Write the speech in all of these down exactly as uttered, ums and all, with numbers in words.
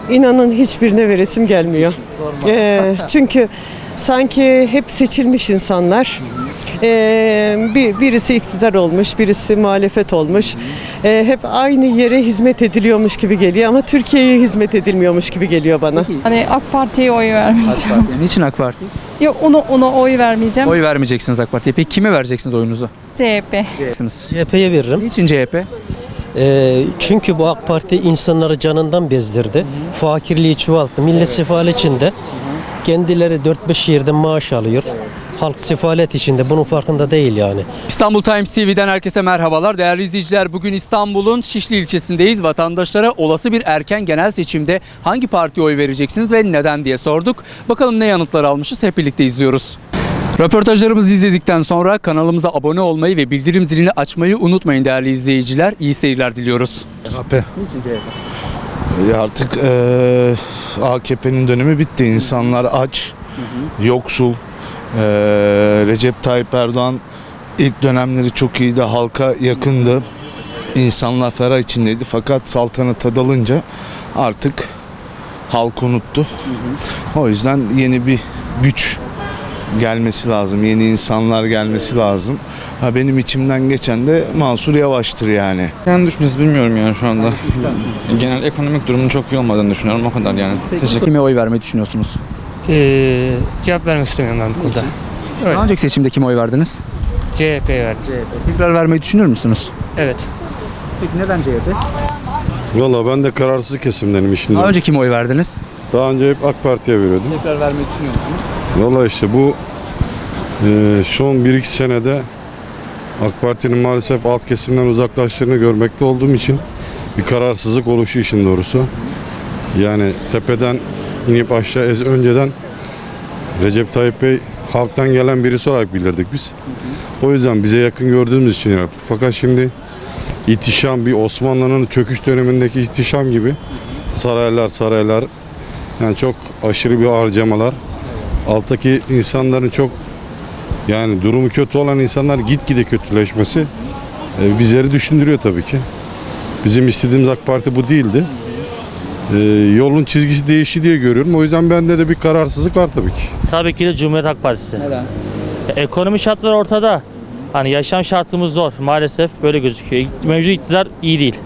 İnanın hiçbirine veresim gelmiyor. Ee, çünkü sanki hep seçilmiş insanlar. Ee, bir, birisi iktidar olmuş, birisi muhalefet olmuş. Ee, hep aynı yere hizmet ediliyormuş gibi geliyor ama Türkiye'ye hizmet edilmiyormuş gibi geliyor bana. Hani AK Parti'ye oy vermeyeceğim. Niçin AK Parti? Yok ona, ona oy vermeyeceğim. Oy vermeyeceksiniz AK Parti'ye. Peki kime vereceksiniz oyunuzu? C H P. C H P'ye veririm. Niçin C H P? Ee, çünkü bu AK Parti insanları canından bezdirdi. Fakirliği çoğalttı. Millet sefalet içinde. Kendileri dört beş yerden maaş alıyor. Halk sefalet içinde. Bunun farkında değil yani. İstanbul Times T V'den herkese merhabalar. Değerli izleyiciler, bugün İstanbul'un Şişli ilçesindeyiz. Vatandaşlara olası bir erken genel seçimde hangi partiye oy vereceksiniz ve neden diye sorduk. Bakalım ne yanıtlar almışız, hep birlikte izliyoruz. Röportajlarımızı izledikten sonra kanalımıza abone olmayı ve bildirim zilini açmayı unutmayın değerli izleyiciler. İyi seyirler diliyoruz. C H P. Niçin C H P? Ya artık eee A K P'nin dönemi bitti. İnsanlar aç, yoksul. Eee, Recep Tayyip Erdoğan ilk dönemleri çok iyiydi. Halka yakındı. İnsanlar ferah içindeydi. Fakat saltanata dalınca artık halk unuttu. O yüzden yeni bir güç gelmesi lazım. Yeni insanlar gelmesi lazım. Ha, benim içimden geçen de Mansur Yavaş'tır yani. Yani düşüncesi bilmiyorum yani şu anda. Genel ekonomik durumun çok iyi olmadığını düşünüyorum, o kadar yani. Teşekkür Kime oy vermeyi düşünüyorsunuz? Ee, cevap vermek istemiyorum ben bu konuda. Daha önceki seçimde kime oy verdiniz? C H P'ye verdim. C H P. Tekrar vermeyi düşünür müsünüz? Evet. Peki neden C H P? Valla ben de kararsız kesimdenim işinde. Daha önce kime oy verdiniz? Daha önce hep AK Parti'ye veriyordum. Tekrar vermeyi düşünüyor musunuz? Valla işte bu e, son bir iki senede AK Parti'nin maalesef alt kesimden uzaklaştığını görmekte olduğum için bir kararsızlık oluşu işin doğrusu. Yani tepeden inip aşağı ez önceden Recep Tayyip Bey halktan gelen birisi olarak bilirdik biz. O yüzden bize yakın gördüğümüz için yaptık. Fakat şimdi ihtişam, bir Osmanlı'nın çöküş dönemindeki ihtişam gibi saraylar saraylar, yani çok aşırı bir harcamalar, alttaki insanların çok, yani durumu kötü olan insanlar gitgide kötüleşmesi e, bizleri düşündürüyor tabii ki. Bizim istediğimiz AK Parti bu değildi. E, yolun çizgisi değişti diye görüyorum. O yüzden bende de bir kararsızlık var tabii ki. Tabii ki de Cumhuriyet Halk Partisi. Neden? Ekonomi şartları ortada. Hani yaşam şartımız zor maalesef, böyle gözüküyor. Mevcut iktidar iyi değil.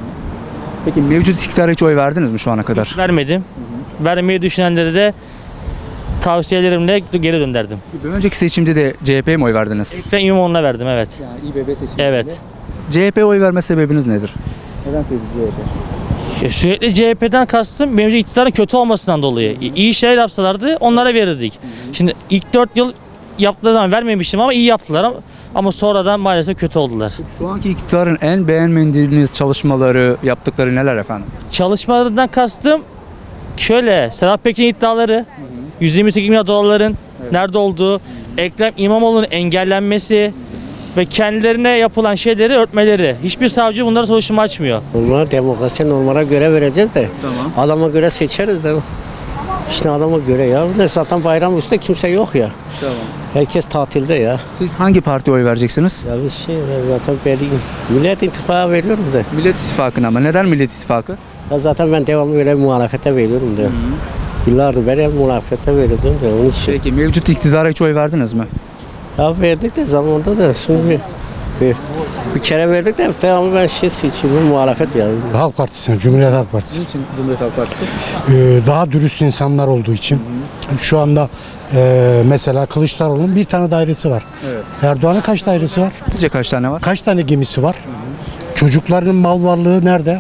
Peki mevcut iktidara hiç oy verdiniz mi şu ana kadar? Vermedim. Vermeyi düşünenlere de tavsiyelerimle geri dönderdim. Bir önceki seçimde de C H P'ye mi oy verdiniz? Ekrem İmamoğlu'na verdim, evet. Yani İ B B seçiminde. Evet. C H P'ye oy verme sebebiniz nedir? Neden sevdi C H P? Ya sürekli C H P'den kastım mevcut iktidarın kötü olmasından dolayı. İyi şeyler yapsalardı onlara verirdik. Şimdi ilk dört yıl yaptığı zaman vermemiştim ama iyi yaptılar ama, ama sonradan maalesef kötü oldular. Şu anki iktidarın en beğenmediğiniz çalışmaları, yaptıkları neler efendim? Çalışmalarından kastım şöyle: Sedat Peker'in iddiaları, yüz yirmi sekiz milyar dolarların nerede olduğu, Ekrem İmamoğlu'nun engellenmesi ve kendilerine yapılan şeyleri örtmeleri. Hiçbir savcı bunlara soruşturma açmıyor. Normal demokrasi, normala göre vereceğiz de. Tamam. Adama göre seçeriz de. İşte adama göre ya. Ne zaten bayram üstü kimse yok ya. Tamam. Herkes tatilde ya. Siz hangi partiye oy vereceksiniz? Ya biz şey zaten belli. Millet İttifakı veriyoruz da. Millet İttifakı'na mı? Neden Millet İttifakı? Ya zaten ben devamlı öyle muhalefete veriyorum da. Yıllardır ben hep muhalefete veriyordum da onun için. Peki mevcut iktidara hiç oy verdiniz mi? Ya verdik de zamanında da şimdi bir, bir, bir kere verdik de devamlı ben şey seçiyorum, muhalefet yani. Halk Partisi, Cumhuriyet Halk Partisi. Niçin Cumhuriyet Halk Partisi? Ee, daha dürüst insanlar olduğu için. Şu anda e, mesela Kılıçdaroğlu'nun bir tane dairesi var. Evet. Erdoğan'ın kaç dairesi var? Sizce kaç tane var? Kaç tane gemisi var? Çocuklarının mal varlığı nerede?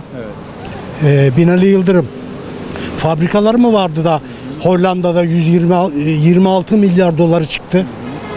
Ee, Binali Yıldırım. Fabrikaları mı vardı da Hollanda'da yüz yirmi altı milyar doları çıktı?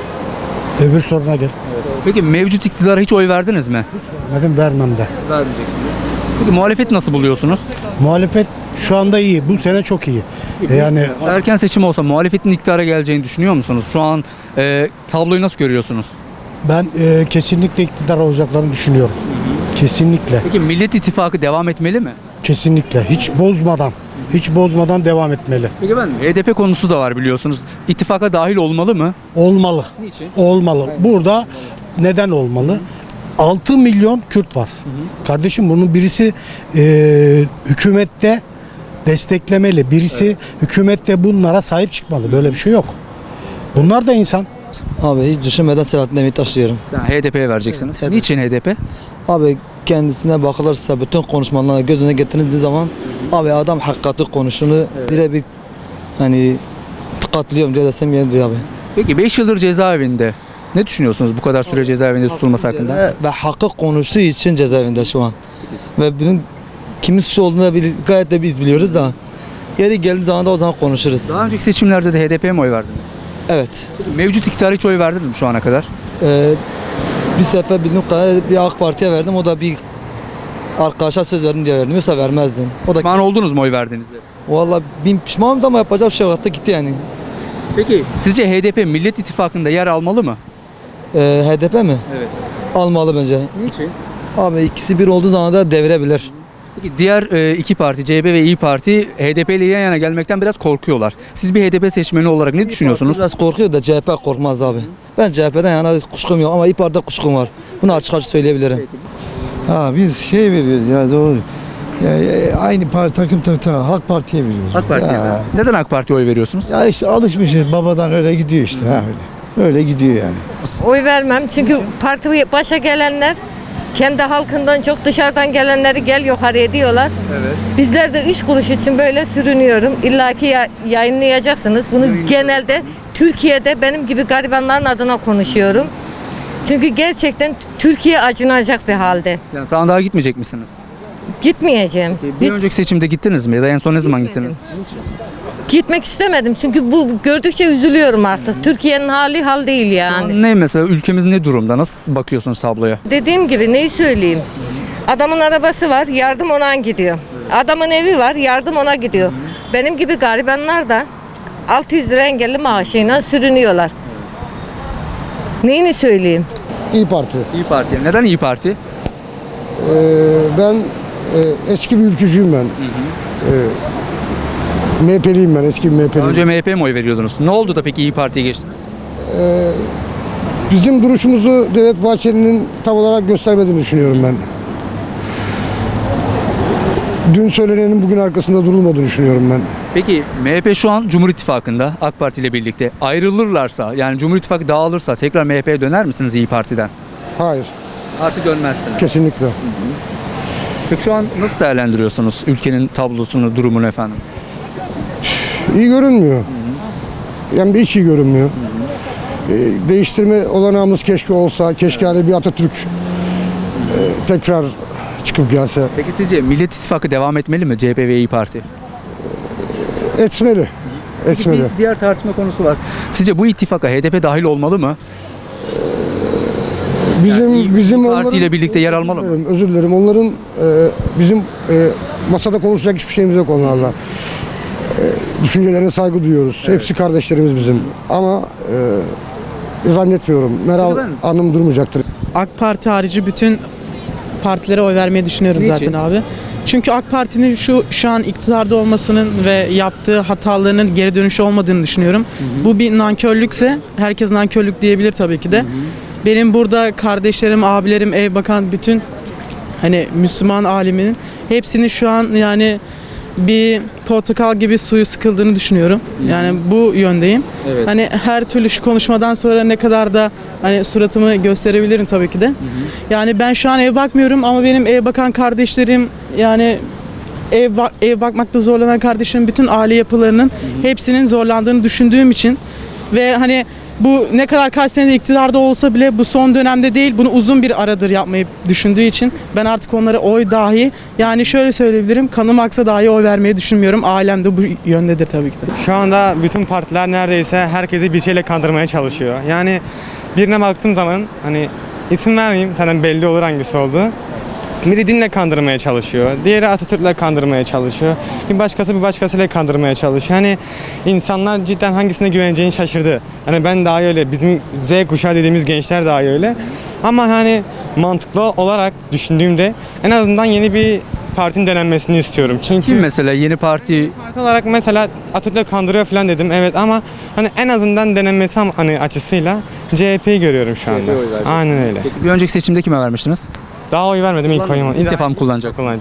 Öbür soruna gel. Peki mevcut iktidara hiç oy verdiniz mi? Neden vermem de. Vermeyeceksiniz. Peki muhalefet nasıl buluyorsunuz? Muhalefet şu anda iyi. Bu sene çok iyi. E, Yani Erken seçim olsa muhalefetin iktidara geleceğini düşünüyor musunuz? Şu an e, tabloyu nasıl görüyorsunuz? ben e, kesinlikle iktidar olacaklarını düşünüyorum. Kesinlikle. Peki Millet İttifakı devam etmeli mi? Kesinlikle. Hiç bozmadan. Hiç bozmadan devam etmeli. Peki ben H D P konusu da var biliyorsunuz. İttifaka dahil olmalı mı? Olmalı. Niçin? Olmalı. Burada neden olmalı? altı milyon Kürt var. Kardeşim bunun birisi e, hükümette desteklemeli. Birisi hükümette bunlara sahip çıkmalı. Böyle bir şey yok. Bunlar da insan. Abi hiç düşünmeden Selahattin Demirtaş diyorum. Yani H D P'ye vereceksiniz. Evet, Niçin H D P? Abi kendisine bakılırsa bütün konuşmalarına göz önüne getirdiğiniz zaman abi adam hakikati konuşunu birebir hani katılıyorum diye desem yeridir abi. Peki beş yıldır cezaevinde. Ne düşünüyorsunuz bu kadar süre cezaevinde tutulması hakkında? Ve, ve hakkı konuştuğu için cezaevinde şu an. Ve bunun kimin suçu olduğunu da bil- gayet de biz biliyoruz da yeri geldiği zaman da o zaman konuşuruz. Daha önceki seçimlerde de H D P'ye mi oy verdiniz? Evet. Mevcut iktidara hiç oy verdiniz mi şu ana kadar? Ee, bir sefer bildiğim kadarıyla bir AK Parti'ye verdim. O da bir arkadaşa söz verdim diye verdim. Yoksa vermezdim. O da Pişman oldunuz mu oy verdiğinizde? vallahi bin pişmanım da ama yapacak bir şey yok. Hatta gitti yani. Peki sizce H D P Millet İttifakı'nda yer almalı mı? Ee, H D P mi? Evet. Almalı bence. Niçin? Abi ikisi bir olduğu zaman da devirebilir. Peki diğer e, iki parti C H P ve İyi Parti H D P ile yan yana gelmekten biraz korkuyorlar. Siz bir H D P seçmeni olarak ne düşünüyorsunuz? Biraz korkuyor da C H P korkmaz abi. Ben C H P'den yana kuşkum yok ama İYİ Parti'de kuşkum var. Bunu açık açık söyleyebilirim. Ha biz şey veriyoruz ya doğru. Ya, ya, aynı parti takım takım takım Halk Parti'ye veriyoruz. AK Parti'ye. Ya, Neden AK Parti'ye oy veriyorsunuz? ya işte alışmışız babadan öyle gidiyor işte ha öyle. Öyle gidiyor yani. Oy vermem çünkü parti başa gelenler kendi halkından çok dışarıdan gelenleri gel yukarıya diyorlar. Evet. Bizler de üç kuruş için böyle sürünüyorum. İlla ki ya- yayınlayacaksınız. Bunu genelde Türkiye'de benim gibi garibanların adına konuşuyorum. Çünkü gerçekten Türkiye acınacak bir halde. Yani sandığa gitmeyecek misiniz? Gitmeyeceğim. Bir Hiç önceki seçimde gittiniz mi ya da en son ne zaman Gitmedim. gittiniz? gitmek istemedim. Çünkü bu gördükçe üzülüyorum artık. Türkiye'nin hali hal değil yani. Ne mesela ülkemiz ne durumda? Nasıl bakıyorsunuz tabloya? Dediğim gibi neyi söyleyeyim? Adamın arabası var, yardım ona gidiyor. Adamın evi var, yardım ona gidiyor. Benim gibi garibanlar da altı yüz lira engelli maaşıyla sürünüyorlar. Neyini söyleyeyim? İyi Parti. İyi Parti. Neden İyi Parti? Ee, ben e, eski bir ülkücüyüm ben. Ee, M H P'liyim ben, eski bir M H Daha P'liyim. önce M H P'ye mi oy veriyordunuz? Ne oldu da peki İyi Parti'ye geçtiniz? Ee, bizim duruşumuzu Devlet Bahçeli'nin tam olarak göstermediğini düşünüyorum ben. Dün söylenenin bugün arkasında durulmadığını düşünüyorum ben. Peki M H P şu an Cumhur İttifakı'nda AK Parti ile birlikte ayrılırlarsa yani Cumhur İttifakı dağılırsa tekrar M H P'ye döner misiniz İyi Parti'den? Hayır, Artık dönmezsiniz. kesinlikle. Peki şu an nasıl değerlendiriyorsunuz ülkenin tablosunu, durumunu efendim? İyi görünmüyor. Yani bir hiç iyi görünmüyor. Ee, değiştirme olanağımız keşke olsa, keşke hani bir Atatürk e, tekrar çıkıp gelse. Peki sizce Millet İttifakı devam etmeli mi C H P ve İyi Parti? Etmeli. Etmeli. Bir diğer tartışma konusu var. Sizce bu ittifaka H D P dahil olmalı mı? Bizim İyi bizim Parti onların- ile birlikte yer almalı Özür mı? dilerim, Özür dilerim. Onların e, bizim e, masada konuşacak hiçbir şeyimiz yok onlarla. E, düşüncelerine saygı duyuyoruz. Hepsi kardeşlerimiz bizim. Ama e, zannetmiyorum. Meral Neden? Hanım durmayacaktır. AK Parti harici bütün partilere oy vermeyi düşünüyorum Niçin? zaten abi. Çünkü AK Parti'nin şu şu an iktidarda olmasının ve yaptığı hatalarının geri dönüşü olmadığını düşünüyorum. Bu bir nankörlükse herkes nankörlük diyebilir tabii ki de. Benim burada kardeşlerim, abilerim, ev bakan bütün hani Müslüman aleminin hepsinin şu an yani bir portakal gibi suyu sıkıldığını düşünüyorum. Yani bu yöndeyim. Evet. Hani her türlü şu konuşmadan sonra ne kadar da hani suratımı gösterebilirim tabii ki de. Yani ben şu an ev bakmıyorum ama benim ev bakan kardeşlerim yani ev ba- ev bakmakta zorlanan kardeşlerim bütün aile yapılarının hepsinin zorlandığını düşündüğüm için ve hani bu ne kadar kaç senede iktidarda olsa bile bu son dönemde değil bunu uzun bir aradır yapmayı düşündüğü için ben artık onlara oy dahi yani şöyle söyleyebilirim kanım aksa dahi oy vermeyi düşünmüyorum. Ailem de bu yöndedir tabii ki de. Şu anda bütün partiler neredeyse herkesi bir şeyle kandırmaya çalışıyor. Yani birine baktığım zaman hani isim vermeyeyim zaten belli olur hangisi olduğu. Biri dinle kandırmaya çalışıyor. Diğeri Atatürk'le kandırmaya çalışıyor. Bir başkası bir başkasıyla kandırmaya çalışıyor. Hani insanlar cidden hangisine güveneceğini şaşırdı. Hani ben daha öyle, bizim Z kuşağı dediğimiz gençler daha öyle. Ama hani mantıklı olarak düşündüğümde en azından yeni bir partinin denenmesini istiyorum. Çünkü Kim mesela yeni parti parti olarak mesela Atatürk'le kandırıyor falan dedim evet ama hani en azından denenmesi hani açısıyla C H P'yi görüyorum şu anda. Aynen öyle. Peki bir önceki seçimde kime vermiştiniz? Daha oy vermedim ilk oyumu. İlk defa mı kullanacaksınız? Kullanacağım.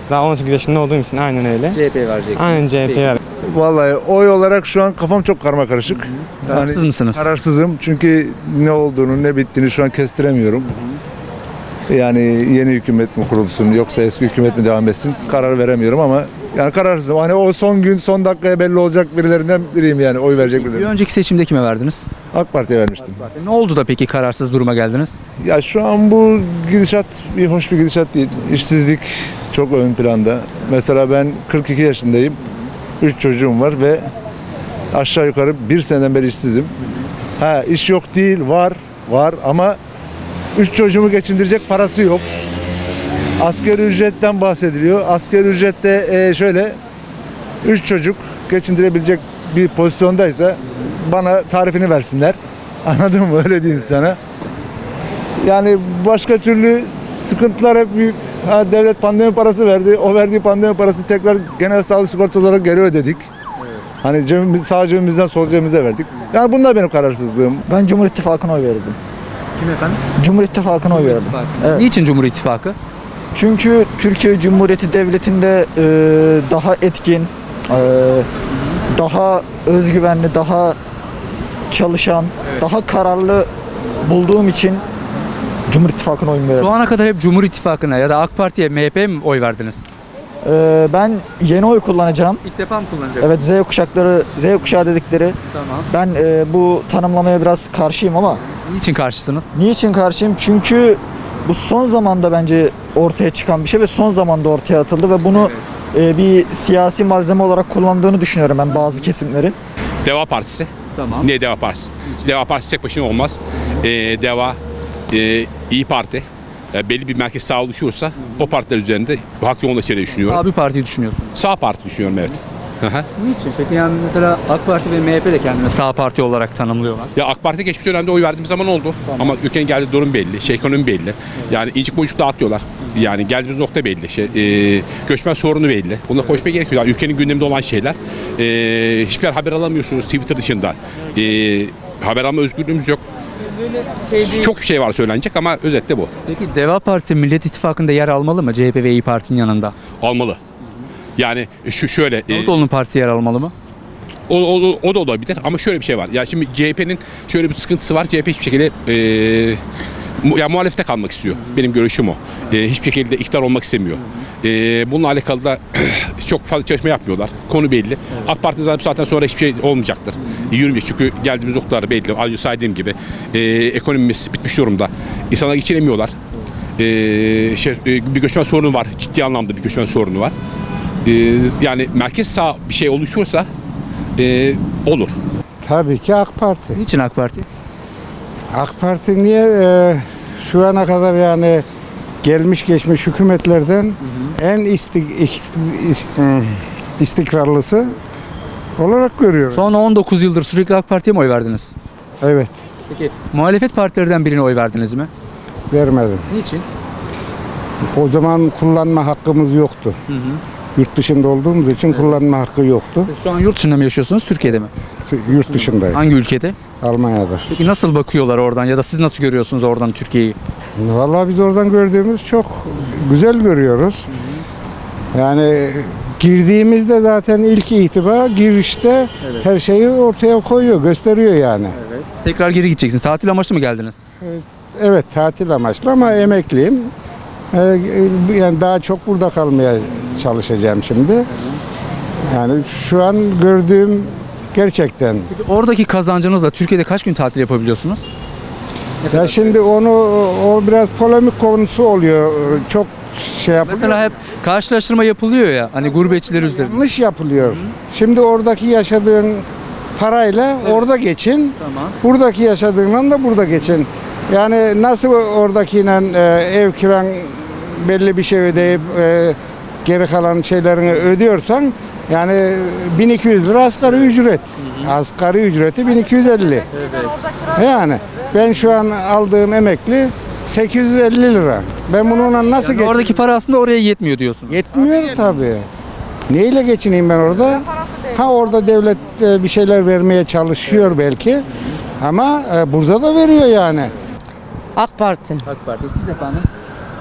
Daha on sekiz yaşında olduğum için aynen öyle. C H P vereceksin. Aynen C H P'ye ver. Vallahi oy olarak şu an kafam çok karmakarışık. Kararsız mısınız? Kararsızım çünkü ne olduğunu ne bittiğini şu an kestiremiyorum. Yani yeni hükümet mi kurulsun yoksa eski hükümet mi devam etsin karar veremiyorum ama yani kararsızım. Hani o son gün son dakikaya belli olacak birilerinden biriyim yani oy verecek Bir birileri. önceki seçimde kime verdiniz? AK Parti'ye vermiştim. Ne oldu da peki kararsız duruma geldiniz? Ya şu an bu gidişat bir hoş bir gidişat değil. İşsizlik çok ön planda. Mesela ben kırk iki yaşındayım. üç çocuğum var ve aşağı yukarı bir seneden beri işsizim. Ha iş yok değil, var, var ama üç çocuğumu geçindirecek parası yok. Asgari ücretten bahsediliyor. Asgari ücrette e, şöyle üç çocuk geçindirebilecek bir pozisyondaysa bana tarifini versinler. Anladın mı? Öyle diyeyim sana. Yani başka türlü sıkıntılar hep büyük. Ha, devlet pandemi parası verdi. O verdiği pandemi parası tekrar genel sağlık sigortası olarak geri ödedik. Hani cebimiz, sağ cebimizden sol cebimize verdik. Yani bunlar benim kararsızlığım. Ben Cumhur İttifakı'na oy verirdim. Kim efendim? Cumhur İttifakı'na oy verirdim. Evet. Niçin Cumhur İttifakı? Çünkü Türkiye Cumhuriyeti Devleti'nde e, daha etkin, e, daha özgüvenli, daha çalışan, daha kararlı bulduğum için Cumhur İttifakı'na oy verirdim. Şu ana kadar hep Cumhur İttifakı'na ya da AK Parti'ye, M H P'ye mi oy verdiniz? E, ben yeni oy kullanacağım. İlk defa mı kullanacaksınız? Evet, Z kuşakları, Z kuşağı dedikleri. Tamam. Ben e, bu tanımlamaya biraz karşıyım ama. Niçin karşısınız? Niçin karşıyım? Çünkü bu son zamanda bence ortaya çıkan bir şey ve son zamanda ortaya atıldı ve bunu e, bir siyasi malzeme olarak kullandığını düşünüyorum ben bazı kesimlerin. Deva Partisi. Tamam. Niye Deva Partisi? Deva Partisi tek başına olmaz. Ee, Deva, e, İyi Parti e, belli bir merkez sağ oluşursa o partiler üzerinde halk yoğunlaşacağını düşünüyorum. Sağ bir partiyi düşünüyorsunuz. Sağ Parti düşünüyorum, evet. Hı hı. Niçin? Peki yani mesela AK Parti ve M H P de kendini sağ parti olarak tanımlıyorlar. Ya AK Parti geçmiş dönemde oy verdiğim zaman oldu. Ama ülkenin geldiği durum belli, şey ekonomi belli. Yani incik boyucuk dağıtıyorlar. Yani geldiğimiz nokta belli. Şey, e, göçmen sorunu belli. Buna koşmaya gerekiyor. Yani ülkenin gündeminde olan şeyler. E, hiçbir haber alamıyorsunuz Twitter dışında. E, haber alma özgürlüğümüz yok. Çok şey var söylenecek ama özette bu. Peki Deva Partisi Millet İttifakı'nda yer almalı mı C H P ve İyi Parti'nin yanında? Almalı. Yani şu şöyle. Davutoğlu'nun partisi yer almalı mı? O, o, o da olabilir ama şöyle bir şey var. Ya şimdi C H P'nin şöyle bir sıkıntısı var. C H P hiçbir şekilde e, mu, ya muhalefete kalmak istiyor. Benim görüşüm o. E, hiçbir şekilde iktidar olmak istemiyor. E, bununla alakalı da çok fazla çalışma yapmıyorlar. Konu belli. Evet. AK Parti'nin zaten bu saatten sonra hiçbir şey olmayacaktır. E, yürümeyecek çünkü geldiğimiz noktalar belli. Az önce saydığım gibi e, ekonomimiz bitmiş durumda. İnsanlar geçinemiyorlar. E, şey, e, bir göçmen sorunu var. Ciddi anlamda bir göçmen sorunu var. E, yani merkez sağ bir şey oluşursa e, olur. Tabii ki AK Parti. Niçin AK Parti? AK Parti niye e, şu ana kadar yani gelmiş geçmiş hükümetlerden hı hı. en istik, istikrarlısı olarak görüyorum. Son on dokuz yıldır sürekli AK Parti'ye mi oy verdiniz? Evet. Peki muhalefet partilerden birine oy verdiniz mi? Vermedim. Niçin? O zaman kullanma hakkımız yoktu. Hı hı. Yurt dışında olduğumuz için evet. kullanma hakkı yoktu. Siz şu an yurt dışında mı yaşıyorsunuz, Türkiye'de mi? Yurt dışındayım. Hangi ülkede? Almanya'da. Peki nasıl bakıyorlar oradan ya da siz nasıl görüyorsunuz oradan Türkiye'yi? Vallahi biz oradan gördüğümüz çok güzel görüyoruz. Yani girdiğimizde zaten ilk itibar girişte evet. her şeyi ortaya koyuyor, gösteriyor yani. Evet. Tekrar geri gideceksiniz. Tatil amaçlı mı geldiniz? Evet, evet tatil amaçlı ama emekliyim. Ee, yani daha çok burada kalmaya çalışacağım şimdi. Yani şu an gördüğüm gerçekten. Peki oradaki kazancınızla Türkiye'de kaç gün tatil yapabiliyorsunuz? Ya şimdi onu o biraz polemik konusu oluyor. Çok şey yapılıyor. Mesela hep karşılaştırma yapılıyor ya hani gurbetçiler üzerinde. Yanlış yapılıyor. Hı. Şimdi oradaki yaşadığın parayla evet. orada geçin. Tamam. Buradaki yaşadığından da burada geçin. Yani nasıl oradakiyle e, ev kiran belli bir şey ödeyip e, geri kalan şeylerini ödüyorsan yani bin iki yüz lira asgari ücret. Hı hı. Asgari ücreti bin iki yüz elli. Evet. Yani ben şu an aldığım emekli sekiz yüz elli lira. Ben bununla nasıl yani geçineyim? Oradaki para aslında oraya yetmiyor diyorsun. Yetmiyor tabii. Neyle geçineyim ben orada? Ha orada devlet bir şeyler vermeye çalışıyor belki. Ama burada da veriyor yani. AK Parti. AK Parti. Siz efendim?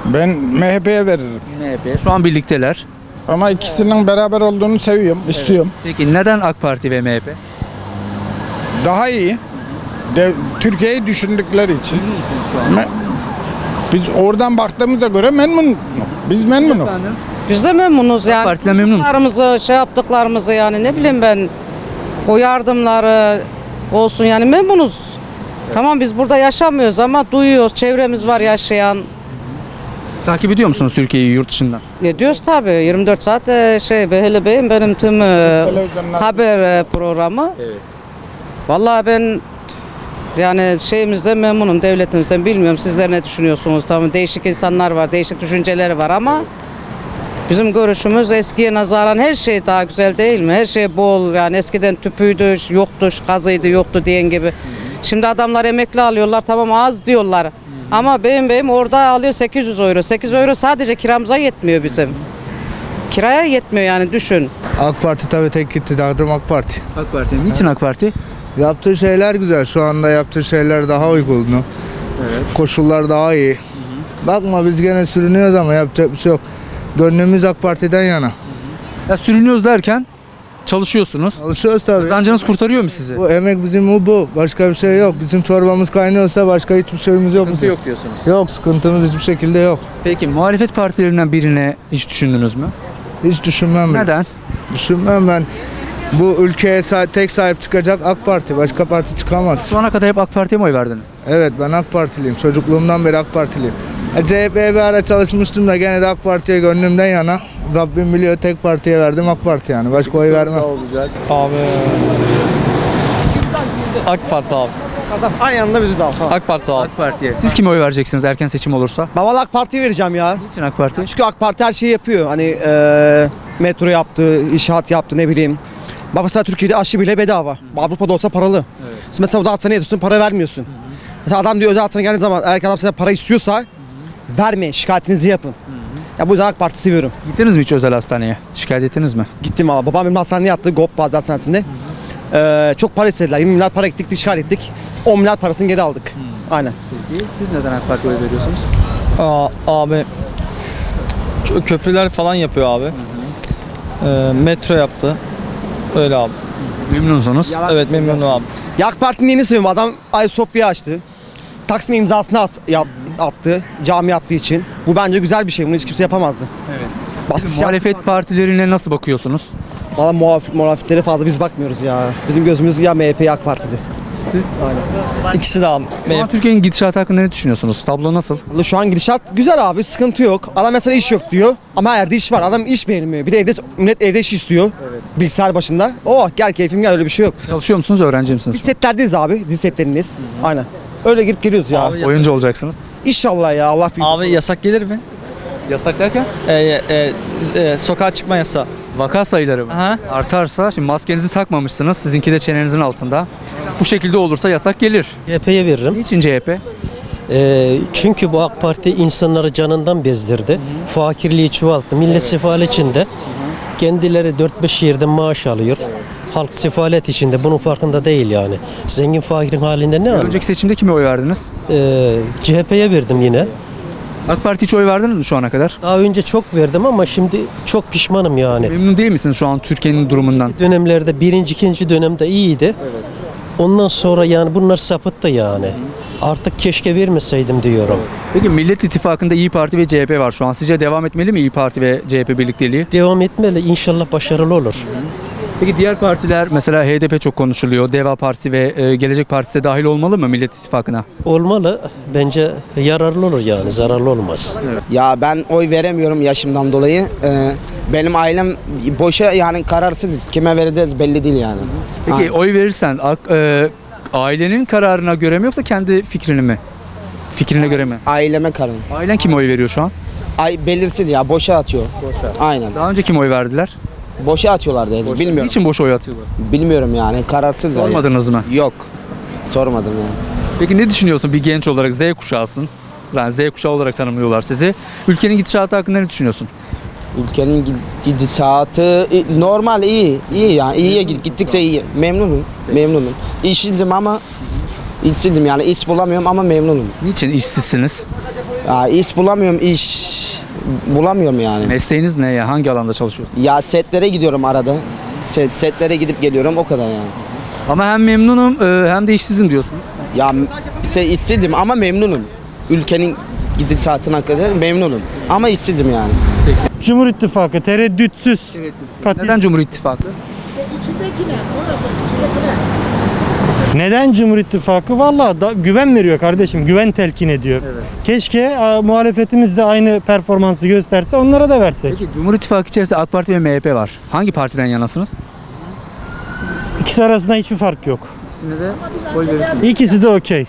Ben M H P'ye veririm. M H P. Şu an birlikteler. Ama ikisinin beraber olduğunu seviyorum, istiyorum. Peki neden AK Parti ve M H P? Daha iyi. De, Türkiye'yi düşündükleri için. Me- Biz oradan baktığımıza göre memnun. Biz memnunuz. Biz de memnunuz yani. Partiden memnun musun? Yaptıklarımızı, şey yaptıklarımızı yani ne bileyim ben o yardımları olsun yani memnunuz. Tamam biz burada yaşamıyoruz ama duyuyoruz. Çevremiz var yaşayan. Takip ediyor musunuz Türkiye'yi yurt dışından? Ne diyoruz tabii yirmi dört saat e, şey Beheli Bey'in benim tüm e, haber e, programı. Evet. Vallahi ben yani şeyimizden memnunum, devletimizden. Bilmiyorum sizler ne düşünüyorsunuz? Tamam değişik insanlar var, değişik düşünceleri var ama bizim görüşümüz eskiye nazaran her şey daha güzel değil mi? Her şey bol yani eskiden tüpüydü, yoktu, gazıydı, yoktu diyen gibi. Şimdi adamlar emekli alıyorlar tamam az diyorlar. Ama benim beyim orada alıyor sekiz yüz euro. sekiz euro sadece kiramıza yetmiyor bizim. Kiraya yetmiyor yani düşün. AK Parti tabii tek iktidarım AK Parti. AK Parti. Niçin AK Parti? Yaptığı şeyler güzel. Şu anda yaptığı şeyler daha uygun. Evet. Koşullar daha iyi. Bakma biz gene sürünüyoruz ama yapacak bir şey yok. Gönlümüz AK Parti'den yana. Ya sürünüyoruz derken çalışıyorsunuz. Çalışıyoruz tabii. Kazancınız kurtarıyor mu sizi? Bu emek bizim bu bu. Başka bir şey yok. Bizim çorbamız kaynıyorsa başka hiçbir şeyimiz yok. Sıkıntı bizim. yok diyorsunuz. Yok sıkıntımız hiçbir şekilde yok. Peki muhalefet partilerinden birine hiç düşündünüz mü? Hiç düşünmem ben. Neden? Düşünmem ben. Bu ülkeye sa- tek sahip çıkacak AK Parti. Başka parti çıkamaz. Şu ana kadar hep AK Parti'ye mi oy verdiniz? Evet ben AK Partiliyim. Çocukluğumdan beri AK Partiliyim. E, C H P'ye bir ara çalışmıştım da gene de AK Parti'ye gönlümden yana. Rabbim biliyor tek partiye verdim AK Parti yani. Başka oy vermem. Abi. AK Parti abi. Aynı anda bizi de al. Tamam. AK Parti abi. AK Parti'ye. Siz kime oy vereceksiniz erken seçim olursa? Ben valla AK Parti'ye vereceğim ya. Niçin AK Parti? Çünkü AK Parti her şeyi yapıyor. Hani e, metro yaptı, inşaat yaptı ne bileyim. Bak mesela Türkiye'de aşı bile bedava. Avrupa'da olsa paralı. Evet. Siz mesela burada hastaneye yatıyorsun para vermiyorsun. Mesela adam diyor özel hastaneye geldiği zaman eğer ki adam size para istiyorsa vermeyin şikayetinizi yapın. Ya bu yüzden AK Parti seviyorum. Gittiniz mi hiç özel hastaneye? Şikayet ettiniz mi? Gittim valla. Babam benim hastaneye yattı. GOP Bazı Hastanesi'nde. Ee, çok para istediler. yirmi milyar para gittik, şikayet ettik. on milyar parasını geri aldık. Aynen. Peki siz neden AK Parti'ye oy veriyorsunuz? Aa, abi Ç- köprüler falan yapıyor abi. Ee, metro yaptı. Öyle abi. Memnunsunuz. Evet memnunum abi. Ya AK Parti'nin yeni seviyorum. Adam Ayasofya açtı. Taksim imzasını as- yap- attı. Cami yaptığı için. Bu bence güzel bir şey. Bunu hiç kimse yapamazdı. Evet. Başka Muhalefet partilerine nasıl bakıyorsunuz? Valla muhaf- muhalefetlere fazla biz bakmıyoruz ya. Bizim gözümüz ya M H P ya AK Parti'de. Siz? Aynen. İkisi de abi. Şu an Türkiye'nin gidişatı hakkında ne düşünüyorsunuz? Tablo nasıl? Vallahi şu an gidişat güzel abi. Sıkıntı yok. Adam mesela iş yok diyor. Ama her yerde iş var. Adam iş beğenmiyor. Bir de evde millet evde iş istiyor. Evet. Bilgisayar başında. Oh gel keyfim gel öyle bir şey yok. Çalışıyor musunuz, öğrenci misiniz? Biz setlerdeyiz abi. Dizi setlerindeyiz. Aynen. Öyle girip geliyoruz ya. Abi, Oyuncu olacaksınız. İnşallah ya Allah büyük. Abi yasak gelir mi? Yasak derken? Ee, e, e, sokağa çıkma yasağı. Vaka sayıları mı? Aha. Artarsa, şimdi maskenizi takmamışsınız, sizinki de çenenizin altında. Bu şekilde olursa yasak gelir. C H P'ye veririm. Niçin C H P? Ee, çünkü bu AK Parti insanları canından bezdirdi. Fakirliği çoğalttı. Millet sefalet içinde. Kendileri dört beş yerden maaş alıyor. Halk sefalet içinde. Bunun farkında değil yani. Zengin fakirin halinde ne anlar? Önceki seçimde kime oy verdiniz? Ee, C H P'ye verdim yine. AK Parti hiç oy verdiniz mi şu ana kadar? Daha önce çok verdim ama şimdi çok pişmanım yani. Memnun değil misiniz şu an Türkiye'nin durumundan? Dönemlerde birinci, ikinci dönemde iyiydi. Ondan sonra yani bunlar sapıttı yani. Artık keşke vermeseydim diyorum. Peki Millet İttifakı'nda İyi Parti ve C H P var şu an. Sizce devam etmeli mi İyi Parti ve C H P birlikteliği? Devam etmeli. İnşallah başarılı olur. Peki diğer partiler, mesela H D P çok konuşuluyor. Deva Partisi ve e, Gelecek Partisi de dahil olmalı mı Millet İttifakı'na? Olmalı. Bence yararlı olur yani. Zararlı olmaz. Ya ben oy veremiyorum yaşımdan dolayı. Ee, benim ailem boşa yani kararsızız. Kime vereceğiz belli değil yani. Peki Aynen. oy verirsen ak- e, ailenin kararına göre mi yoksa kendi fikrini mi? Fikrine göre mi? Aileme karar. Ailen kime oy veriyor şu an? Ay belirsiz ya boşa atıyor. Boşa. Aynen. Daha önce kime oy verdiler? Boşa atıyorlar dedi. Bilmiyorum. Niçin boş oy atıyorlar? Bilmiyorum yani kararsız. Sormadınız mı? Yok. Sormadım yani. Peki ne düşünüyorsun bir genç olarak, Z kuşağısın? Yani Z kuşağı olarak tanımlıyorlar sizi. Ülkenin gidişatı hakkında ne düşünüyorsun? Ülkenin gidişatı normal iyi. İyi yani iyiye gittikçe iyi. Memnunum. Memnunum. İşsizim ama işsizim yani iş bulamıyorum ama memnunum. Niçin işsizsiniz? Ya iş bulamıyorum, iş bulamıyorum yani. Mesleğiniz ne ya? Hangi alanda çalışıyorsunuz? Ya setlere gidiyorum arada. Set, setlere gidip geliyorum o kadar yani. Ama hem memnunum e, hem de işsizim diyorsunuz. Ya şey, işsizim ama memnunum. Ülkenin gidişatına kadar memnunum. Ama işsizim yani. Cumhur İttifakı tereddütsüz. Neden Cumhur İttifakı? Neden Cumhur İttifakı? Valla da güven veriyor kardeşim. Güven telkin ediyor. Keşke a, muhalefetimiz de aynı performansı gösterse onlara da versek. Peki Cumhur İttifakı içerisinde AK Parti ve M H P var. Hangi partiden yanasınız? İkisi arasında hiçbir fark yok. İkisine de oy verirsiniz. İkisi de okey.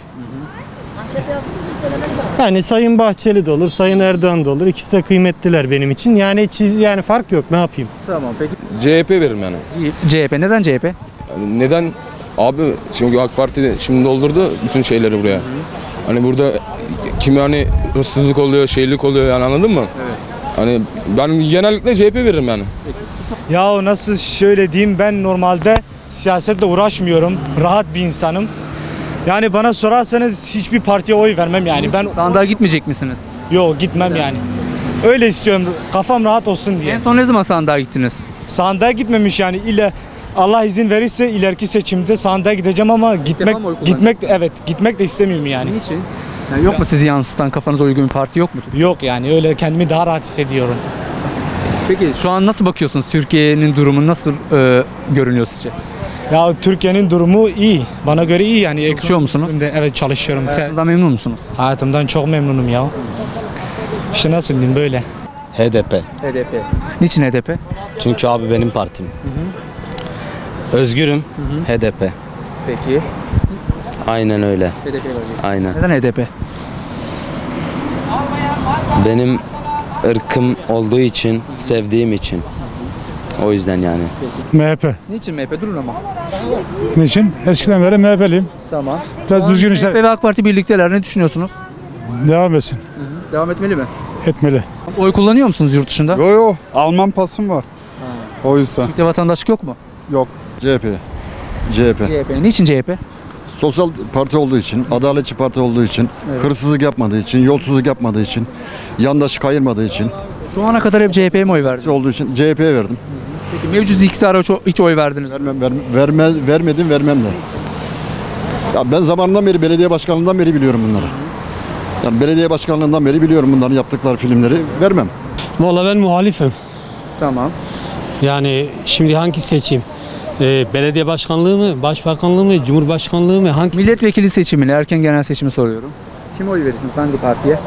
Yani Sayın Bahçeli de olur, Sayın Erdoğan da olur. İkisi de kıymetliler benim için. Yani çiz, yani fark yok. Ne yapayım? Tamam peki. C H P veririm yani. C H P. Neden C H P? Yani neden? Abi çünkü AK Parti şimdi doldurdu bütün şeyleri buraya. Hani burada kimi hani hırsızlık oluyor, şeylik oluyor yani anladın mı? Evet. Hani ben genellikle C H P veririm yani. Ya nasıl şöyle diyeyim, ben normalde siyasetle uğraşmıyorum. Rahat bir insanım. Yani bana sorarsanız hiçbir partiye oy vermem yani. Ben sandığa gitmeyecek misiniz? Yok gitmem yani. Öyle istiyorum. Kafam rahat olsun diye. En son ne zaman sandığa gittiniz? Sandığa gitmemiş yani. İle Allah izin verirse ileriki seçimde sandığa gideceğim ama gitmek gitmek evet gitmek de istemiyorum yani. Niçin? Yani yok mu sizi yansıtan kafanıza uygun bir parti yok mu? Yok yani öyle kendimi daha rahat hissediyorum. Peki şu an nasıl bakıyorsunuz? Türkiye'nin durumu nasıl e, görünüyor sizce? Ya Türkiye'nin durumu iyi. Bana göre iyi yani. Çalışıyor musunuz? Evet çalışıyorum. Hayatınızdan memnun musunuz? Hayatımdan çok memnunum ya. İşte nasıl diyeyim böyle. H D P. H D P. Niçin H D P? Çünkü abi benim partim. Özgürüm. H D P. Peki. Aynen öyle. H D P var. Aynen. Neden H D P? Benim ırkım olduğu için, sevdiğim için. O yüzden yani. M H P. Niçin M H P? Durun ama. Niçin? Eskiden beri M H P'liyim. Tamam. Biraz düzgün işler. M H P ve AK Parti birlikteler. Ne düşünüyorsunuz? Devam etsin. Devam etmeli mi? Etmeli. Oy kullanıyor musunuz yurt dışında? Yo yo. Alman pasım var. O yüzden. Türk'te vatandaşlık yok mu? Yok. C H P. C H P. C H P. Niçin C H P? Sosyal parti olduğu için, adaletçi parti olduğu için, Evet. hırsızlık yapmadığı için, yolsuzluk yapmadığı için, yandaşı kayırmadığı için. Şu ana kadar hep C H P'ye mi oy verdiniz? Olduğu için C H P'ye verdim. Peki mevcut iktidara hiç oy verdiniz mi? Vermem, ver, verme, vermedim, vermem de. Ya ben zamanından beri, belediye başkanlığından beri biliyorum bunları. Yani belediye başkanlığından beri biliyorum bunların yaptıkları filmleri. Vermem. Vallahi ben muhalifim. Tamam. Yani şimdi hangi seçeyim? Ee, belediye başkanlığı mı, başbakanlığı mı, cumhurbaşkanlığı mı? Hangi? Milletvekili seçimini, erken genel seçimi soruyorum. Kim oy verirsiniz? Hangi partiye?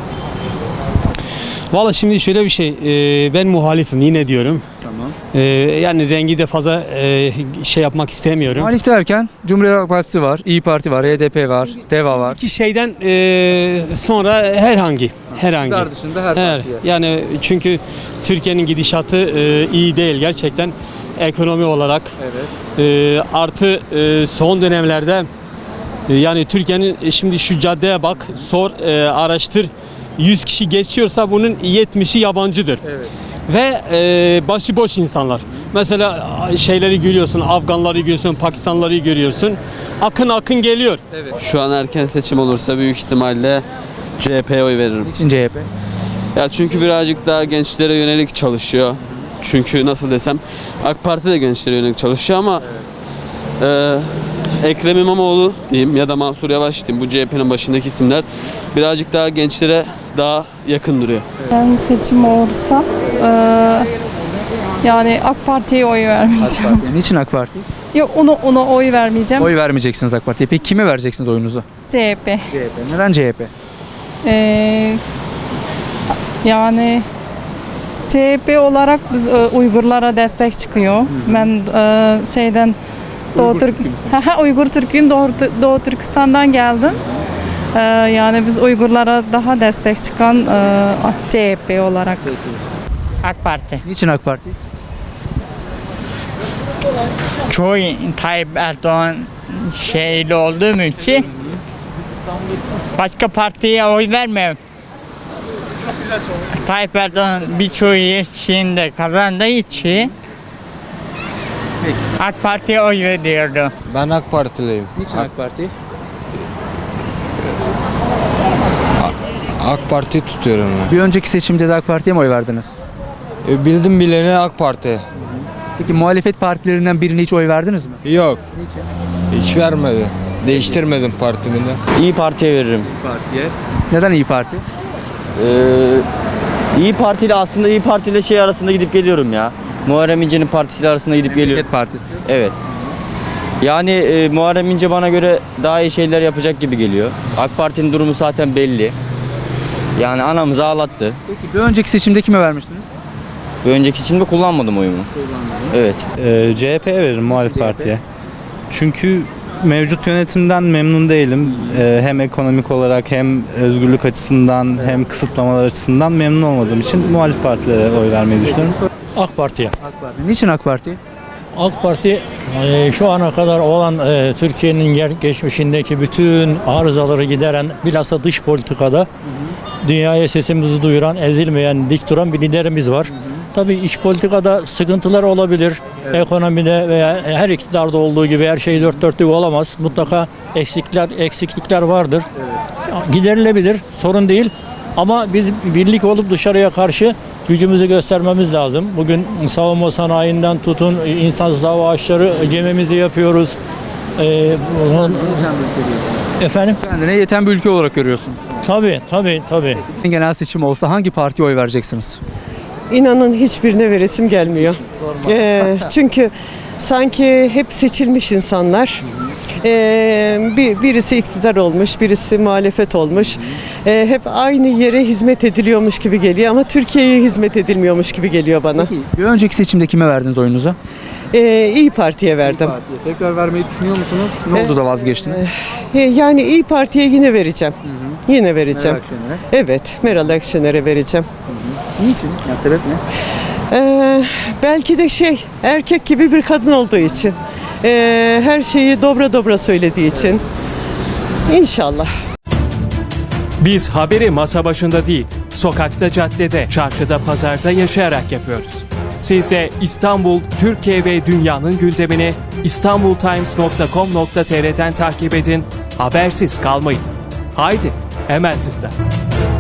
Vallahi şimdi şöyle bir şey. e, ben muhalifim yine diyorum. Tamam. E, yani rengi de fazla e, şey yapmak istemiyorum. Muhalif derken Cumhuriyet Halk Partisi var, İyi Parti var, H D P var, DEVA var. İki şeyden e, sonra herhangi, herhangi. İktidar dışında her partiye. Yani çünkü Türkiye'nin gidişatı e, iyi değil gerçekten ekonomi olarak. Evet. E, artı e, son dönemlerde e, yani Türkiye'nin e, şimdi şu caddeye bak, sor, e, araştır. yüz kişi geçiyorsa bunun yetmişi yabancıdır. Evet. Ve e, başıboş insanlar. Mesela şeyleri görüyorsun, Afganları görüyorsun, Pakistanlıları görüyorsun. Akın akın geliyor. Evet. Şu an erken seçim olursa büyük ihtimalle C H P'ye oy veririm. Niçin C H P? Ya çünkü birazcık daha gençlere yönelik çalışıyor. Çünkü nasıl desem AK Parti de gençlere yönelik çalışıyor ama evet. e, Ekrem İmamoğlu diyeyim ya da Mansur Yavaş diyeyim bu C H P'nin başındaki isimler birazcık daha gençlere daha yakın duruyor. Ben seçim olursa eee, yani AK Parti'ye oy vermeyeceğim. AK Parti. Niçin AK Parti? Yok ona ona oy vermeyeceğim. Oy vermeyeceksiniz AK Parti'ye. Peki kime vereceksiniz oyunuzu? C H P. C H P. Neden C H P? Eee, yani C H P olarak biz e, Uygurlara destek çıkıyor. Ben e, şeyden Doğu Türk Uygur Türk'ün Doğu, Doğu Türkistan'dan geldim. E, yani biz Uygurlara daha destek çıkan e, C H P olarak. AK Parti. Niçin AK Parti? Çoğu Tayyip Erdoğan şeyli olduğum için başka partiye oy vermiyorum. Tayyip Erdoğan birçoğu yer şeyinde kazandığı için AK Parti'ye oy veriyordu. Ben AK Partiliyim. Niçin AK Parti? AK Parti tutuyorum ben. Bir önceki seçimde de AK Parti'ye mi oy verdiniz? E, bildim bileni AK Parti. Peki muhalefet partilerinden birine hiç oy verdiniz mi? Yok. Hiç vermedi. Değiştirmedim partimi de. İyi Parti'ye veririm. Partiye. Neden İyi Parti? Ee, İyi Parti ile aslında İyi Parti ile şey arasında gidip geliyorum ya. Muharrem İnce'nin partisiyle arasında gidip geliyorum. Memleket Partisi. Evet. Yani e, Muharrem İnce bana göre daha iyi şeyler yapacak gibi geliyor. AK Parti'nin durumu zaten belli. Yani anamızı ağlattı. Peki bir önceki seçimde kime vermiştiniz? Bir önceki seçimde kullanmadım oyumu. Evet. Ee, C H P'ye veririm muhalif partiye. Çünkü mevcut yönetimden memnun değilim. Ee, hem ekonomik olarak hem özgürlük açısından hem kısıtlamalar açısından memnun olmadığım için muhalif partilere oy vermeyi düşünüyorum. AK Parti'ye. AK Parti. Niçin AK Parti? AK Parti e, şu ana kadar olan e, Türkiye'nin ger- geçmişindeki bütün arızaları gideren, bilhassa dış politikada hı hı. dünyaya sesimizi duyuran, ezilmeyen, dik duran bir liderimiz var. Hı hı. Tabii iç politikada sıkıntılar olabilir. Evet. Ekonomide veya her iktidarda olduğu gibi her şey dört dörtlük olamaz. Mutlaka eksiklikler eksiklikler vardır. Evet. Giderilebilir, sorun değil. Ama biz birlik olup dışarıya karşı gücümüzü göstermemiz lazım. Bugün savunma sanayinden tutun, insansız hava araçları gemimizi yapıyoruz. Ee, bunun... Efendim? Kendine yeten bir ülke olarak görüyorsunuz. Tabii, tabii, tabii. Genel seçim olsa hangi partiye oy vereceksiniz? İnanın hiçbirine veresim gelmiyor. Ee, çünkü sanki hep seçilmiş insanlar. Ee, bir, birisi iktidar olmuş, birisi muhalefet olmuş. Ee, hep aynı yere hizmet ediliyormuş gibi geliyor ama Türkiye'ye hizmet edilmiyormuş gibi geliyor bana. Peki, bir önceki seçimde kime verdiniz oyunuzu? Ee, İyi Parti'ye verdim. İyi Parti'ye. Tekrar vermeyi düşünüyor musunuz? Ne oldu da vazgeçtiniz? Ee, yani İyi Parti'ye yine vereceğim. Hı hı. Yine vereceğim. Meral Akşener'e. Evet, Meral Akşener'e vereceğim. Hı hı. Niçin? Yani sebep ne? Ee, belki de şey, erkek gibi bir kadın olduğu için. Ee, her şeyi dobra dobra söylediği için. İnşallah. Biz haberi masa başında değil, sokakta, caddede, çarşıda, pazarda yaşayarak yapıyoruz. Siz de İstanbul, Türkiye ve dünyanın gündemini istanbultimes nokta com nokta tr'den takip edin, habersiz kalmayın. Haydi, hemen tıkla.